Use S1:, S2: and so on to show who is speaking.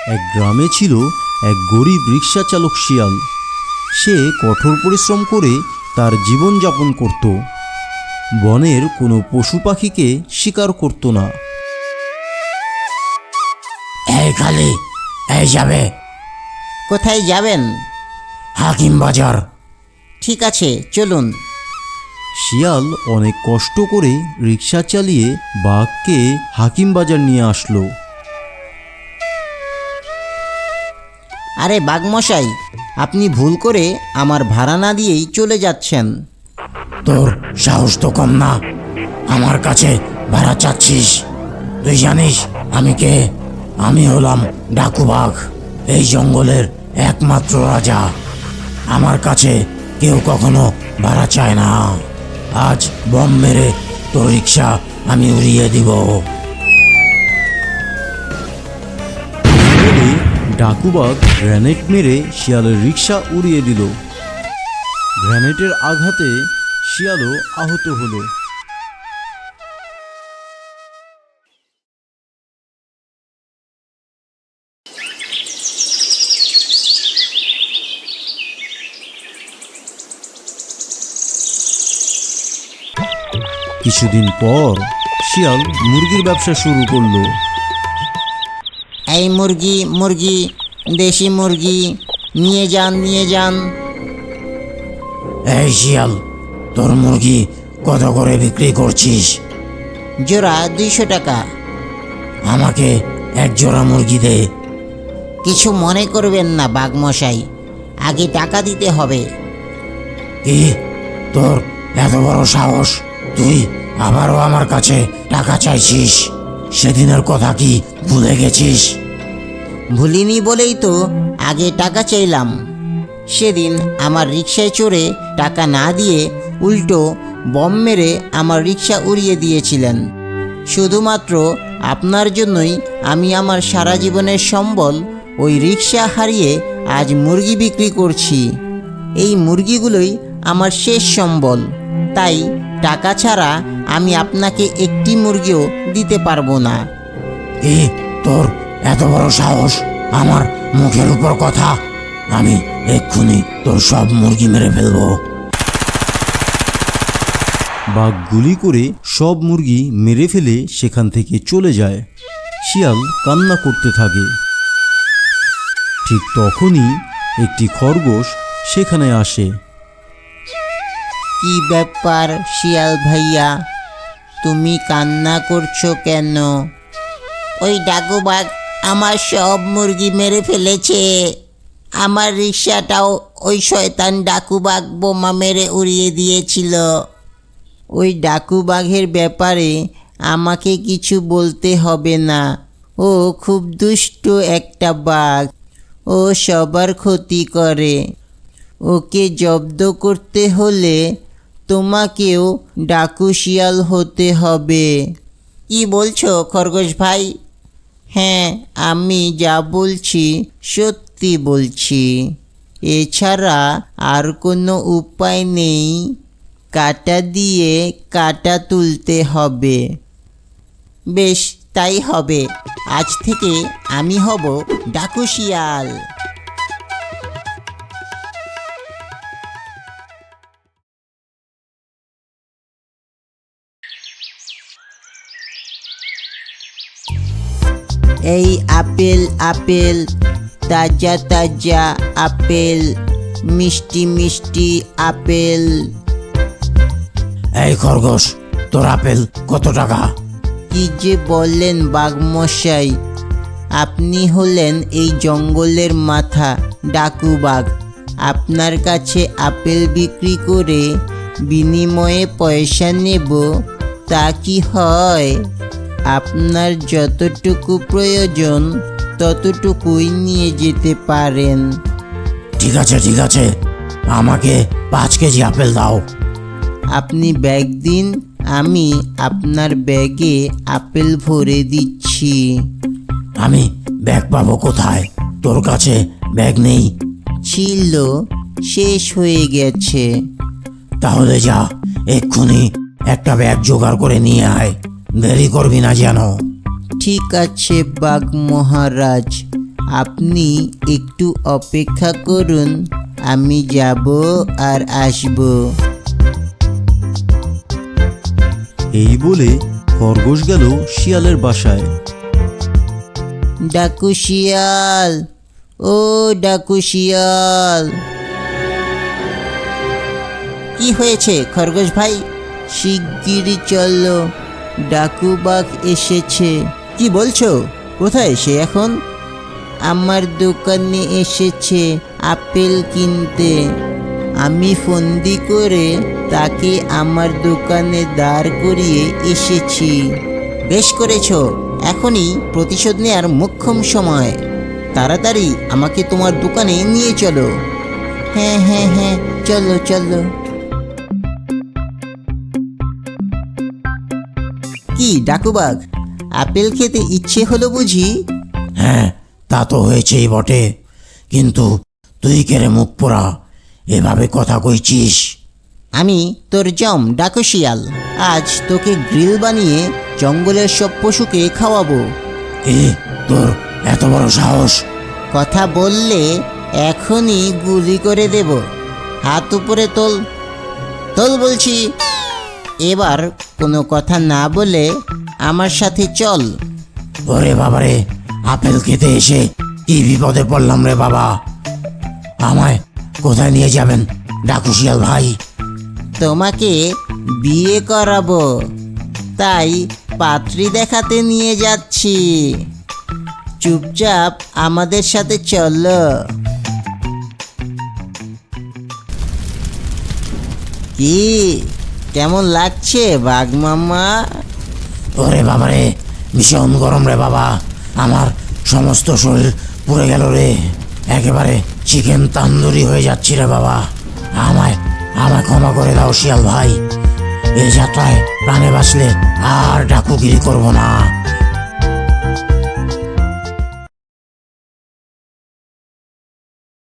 S1: এক গ্রামে ছিল এক গরিব রিক্সা চালক শিয়াল। সে কঠোর পরিশ্রম করে তার জীবনযাপন করত। বনের কোনো পশু পাখিকে শিকার করত না।
S2: এই খালি, এই যাবে।
S3: কোথায় যাবেন?
S2: হাকিম বাজার।
S3: ঠিক আছে, চলুন।
S1: শিয়াল অনেক কষ্ট করে রিক্সা চালিয়ে বাঘকে হাকিম বাজার নিয়ে আসলো।
S3: আরে বাঘমশাই, আপনি ভুল করে আমার ভাড়া না দিয়েই চলে যাচ্ছেন।
S2: তোর সাহস তো কম না, আমার কাছে ভাড়া চাচ্ছিস? তুই জানিস আমি কে? আমি হলাম ডাকু বাঘ, এই জঙ্গলের একমাত্র রাজা। আমার কাছে কেউ কখনো ভাড়া চায় না। আজ বম মেরে তোর রিক্সা আমি উড়িয়ে দিব।
S1: বলে ডাকুবাঘ গ্রেনেড মেরে শিয়ালের রিক্সা উড়িয়ে দিল। গ্রেনেডের আঘাতে শিয়ালও আহত হলো। কিছুদিন পর শিয়াল মুরগির ব্যবসা শুরু করলো।
S3: এই মুরগি মুরগি, দেশি মুরগি, নিয়ে যান নিয়ে যান।
S2: এই শিয়াল, তোর মুরগি কত করে বিক্রি করছিস?
S3: জোড়া 200 টাকা।
S2: আমাকে এক জোড়া মুরগি দে।
S3: কিছু মনে করবেন না বাঘমশাই, আগে টাকা দিতে হবে।
S2: কি, তোর এত বড় সাহস? তুই আবারও আমার কাছে টাকা চাইছিস? সেদিনের কথা কি ভুলে গেছিস?
S3: ভুলিনি বলেই তো আগে টাকা চাইলাম। সেদিন আমার রিকশায় চড়ে টাকা না দিয়ে উল্টো বম মেরে আমার রিকশা উড়িয়ে দিয়েছিলেন। শুধুমাত্র আপনার জন্যই আমি আমার সারা জীবনের সম্বল ওই রিকশা হারিয়ে আজ মুরগি বিক্রি করছি। এই মুরগিগুলোই আমার শেষ সম্বল, তাই টাকা ছাড়া আমি আপনাকে একটি মুরগিও দিতে পারবো না।
S2: কি, তোর এত বড় সাহস আমার মুখের উপর কথা? আমি এক্ষুনি তোর সব মুরগি মেরে ফেলবো।
S1: বাঘ গুলি করে সব মুরগি মেরে ফেলে সেখান থেকে চলে যায়। শিয়াল কান্না করতে থাকে। ঠিক তখনই একটি খরগোশ সেখানে আসে।
S3: কি ব্যাপার শিয়াল ভাইয়া, তুমি কান্না করছো কেন? ওই ডাকুবাঘ আমার সব মুরগি মেরে ফেলেছে। আমার রিকশাটাও ওই শয়তান ডাকুবাঘ বোমা মেরে উড়িয়ে দিয়েছিল। ওই ডাকুবাঘের ব্যাপারে আমাকে কিছু বলতে হবে না। ও খুব দুষ্ট একটা বাঘ, ও সবার ক্ষতি করে। ওকে জব্দ করতে হলে তোমাকেও ডাকু শিয়াল হতে হবে। কি বলছো খরগোশ ভাই? হ্যাঁ, আমি যা বলছি সত্যি বলছি। এছাড়া আর কোনো উপায় নেই। কাঁটা দিয়ে কাঁটা তুলতে হবে। বেশ, তাই হবে। আজ থেকে আমি হব ডাকু শিয়াল। এই আপেল আপেল, তাজা তাজা আপেল, মিষ্টি মিষ্টি আপেল।
S2: এই খরগোশ, তোর আপেল কত টাকা?
S3: কি যে বললেন বাঘমশাই, আপনি হলেন এই জঙ্গলের মাথা ডাকু বাঘ। আপনার কাছে আপেল বিক্রি করে বিনিময়ে পয়সা নেব, তা কি হয়? আপনার যতটুকু প্রয়োজন ততটুকুই নিয়ে যেতে পারেন।
S2: ঠিক আছে ঠিক আছে, আমাকে 5 কেজি আপেল দাও।
S3: আপনি ব্যাগ দিন, আমি আপনার ব্যাগে আপেল ভরে দিচ্ছি।
S2: আমি ব্যাগ পাবো কোথায়? তোর কাছে ব্যাগ নেই?
S3: ছিল, শেষ হয়ে গেছে।
S2: তাহলে যা, এক্ষুনি একটা ব্যাগ জোগাড় করে নিয়ে আয়, দেরি করবি না যেন।
S3: ঠিক আছে বাঘ মহারাজ, আপনি একটু অপেক্ষা করুন, আমি যাব আর আসব।
S1: এই বলে খরগোশ গেল শিয়ালের বাসায়।
S3: ডাকু শিয়াল, ও ডাকু শিয়াল। কি হয়েছে খরগোশ ভাই? শিগগিরই চলো, ডাকু বাঘ এসেছে। কি বলছো? কোথায় সে এখন? আমার দোকানে এসেছে আপেল কিনতে। আমি ফন্দি করে তাকে আমার দোকানে দাঁড় করিয়ে এসেছি। বেশ করেছো, এখনই প্রতিশোধ নেওয়ার মোক্ষম সময়। তাড়াতাড়ি আমাকে তোমার দোকানে নিয়ে চলো। হ্যাঁ হ্যাঁ হ্যাঁ, চলো চলো। কি ডাকুবাঘ, আপেল খেতে ইচ্ছে হলো বুঝি?
S2: হ্যাঁ, তা তো হয়েছেই বটে, কিন্তু তুই কেড়ে মুখ পোড়া এভাবে কথা কইছিস?
S3: আমি তোর জম ডাকু শিয়াল, আজ তোকে গ্রিল বানিয়ে জঙ্গলের সব পশুকে খাওয়াবো।
S2: কি তোর এত বড় সাহস?
S3: কথা বললে এখনই গুলি করে দেব। হাত উপরে তোল, তোল বলছি। এবার কোনো কথা না বলে আমার সাথে চল।
S2: ওরে বাবারে, আপেল খেতে এসে কি বিপদে পড়লাম রে বাবা। আমায় কোথায় নিয়ে যাবেন ডাকু শিয়াল ভাই?
S3: তোমাকে বিয়ে করাবো, তাই পাত্রী দেখাতে নিয়ে যাচ্ছি। চুপচাপ আমাদের সাথে চলো। কি কেমন লাগছে বাঘ মামা?
S2: ওরে বাবারে, ভীষণ গরম রে বাবা, আমার সমস্ত শরীর পুড়ে গেল রে, একেবারে চিকেন তান্দুরি হয়ে যাচ্ছি রে বাবা। আমায় আমায় ক্ষমা করে দাও শিয়াল ভাই, এই যাত্রায় প্রাণে বাঁচলে আর ডাকুগিরি করবো না।